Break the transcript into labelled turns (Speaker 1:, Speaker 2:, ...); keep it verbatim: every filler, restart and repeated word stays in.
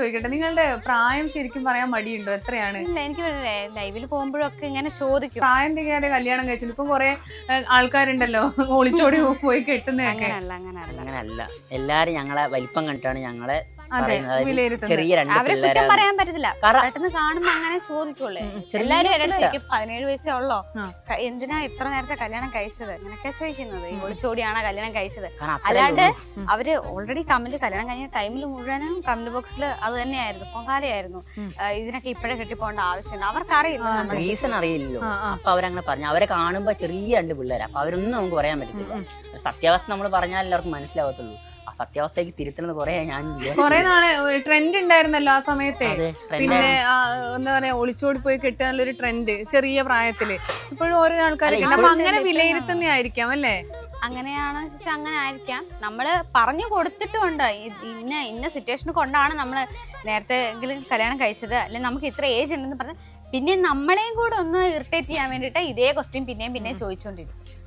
Speaker 1: ചോദിക്കട്ടെ, നിങ്ങളുടെ പ്രായം ശരിക്കും പറയാൻ മടിയുണ്ടോ? എത്രയാണ്?
Speaker 2: ഇല്ല, എനിക്ക് ലൈവിൽ പോകുമ്പോഴൊക്കെ ഇങ്ങനെ ചോദിക്കും.
Speaker 1: പ്രായം തികയാതെ കല്യാണം കഴിച്ചിട്ട് ഇപ്പൊ കൊറേ ആൾക്കാരുണ്ടല്ലോ ഒളിച്ചോടി പോയി കെട്ടുന്നതൊക്കെ.
Speaker 2: അങ്ങനല്ല അങ്ങനല്ല
Speaker 3: അങ്ങനല്ല, എല്ലാരും ഞങ്ങളെ വലിപ്പം കണ്ടിട്ടാണ് ഞങ്ങളെ
Speaker 1: അതെ,
Speaker 3: ചെറിയ രണ്ട്
Speaker 2: അവരെ കുറ്റം
Speaker 3: പിള്ളേരാണ്.
Speaker 2: പറയാൻ പറ്റത്തില്ല. പെട്ടെന്ന് കാണുമ്പോ അങ്ങനെ ചോദിക്കുള്ളൂ. എല്ലാരും എനിക്ക് പതിനേഴ് വയസ്സേ ഉള്ളോ, എന്തിനാ ഇത്ര നേരത്തെ കല്യാണം കഴിച്ചത്, അങ്ങനെയൊക്കെ ചോദിക്കുന്നത്. ഈ ഒളിച്ചോടിയാണോ കല്യാണം കഴിച്ചത്? അല്ലാണ്ട് അവര് ഓൾറെഡി കമന്റ് കല്യാണം കഴിഞ്ഞ ടൈമിൽ മുഴുവനും കമന്റ് ബോക്സിൽ അത് തന്നെയായിരുന്നു, പൊങ്കാലയായിരുന്നു. ഇതിനൊക്കെ ഇപ്പോഴേ കെട്ടിപ്പോണ്ട ആവശ്യമുണ്ട്, അവർക്കറിയില്ല,
Speaker 3: റീസൺ അറിയില്ലല്ലോ. അപ്പൊ അവരങ്ങനെ പറഞ്ഞു. അവരെ കാണുമ്പോ ചെറിയ രണ്ട് പിള്ളേരാ, അപ്പൊ അവരൊന്നും നമുക്ക് പറയാൻ പറ്റത്തില്ല. സത്യാവസ്ഥ നമ്മൾ പറഞ്ഞാൽ എല്ലാവർക്കും മനസ്സിലാവത്തുള്ളൂ. ആ സത്യാവസ്ഥയ്ക്ക് തിരുത്തുന്നത് കുറെ ഞാൻ
Speaker 1: കുറെ നാളെ ട്രെൻഡ് ഉണ്ടായിരുന്നല്ലോ ആ സമയത്തെ. പിന്നെ എന്താ പറയാ, ഒളിച്ചോടി പോയി കെട്ടാനുള്ളൊരു ട്രെൻഡ് ചെറിയ പ്രായത്തില് ഇപ്പോഴും ഓരോ ആൾക്കാരൊക്കെ. അപ്പൊ അങ്ങനെ വിലയിരുത്തുന്നതായിരിക്കാം അല്ലേ?
Speaker 2: അങ്ങനെയാണെന്ന് വെച്ചാൽ അങ്ങനെ ആയിരിക്കാം. നമ്മള് പറഞ്ഞു കൊടുത്തിട്ടുണ്ട്, ഇന്ന ഇന്ന സിറ്റുവേഷൻ കൊണ്ടാണ് നമ്മള് നേരത്തെ എങ്കിലും കല്യാണം കഴിച്ചത്, അല്ലെങ്കിൽ നമുക്ക് ഇത്ര ഏജ് ഉണ്ടെന്ന് പറഞ്ഞ് പിന്നെ നമ്മളെയും കൂടെ ഒന്ന് ഇറിറ്റേറ്റ് ചെയ്യാൻ വേണ്ടിയിട്ട് ഇതേ ക്വസ്റ്റ്യൻ പിന്നെയും പിന്നെയും ചോദിച്ചുകൊണ്ടിരിക്കും.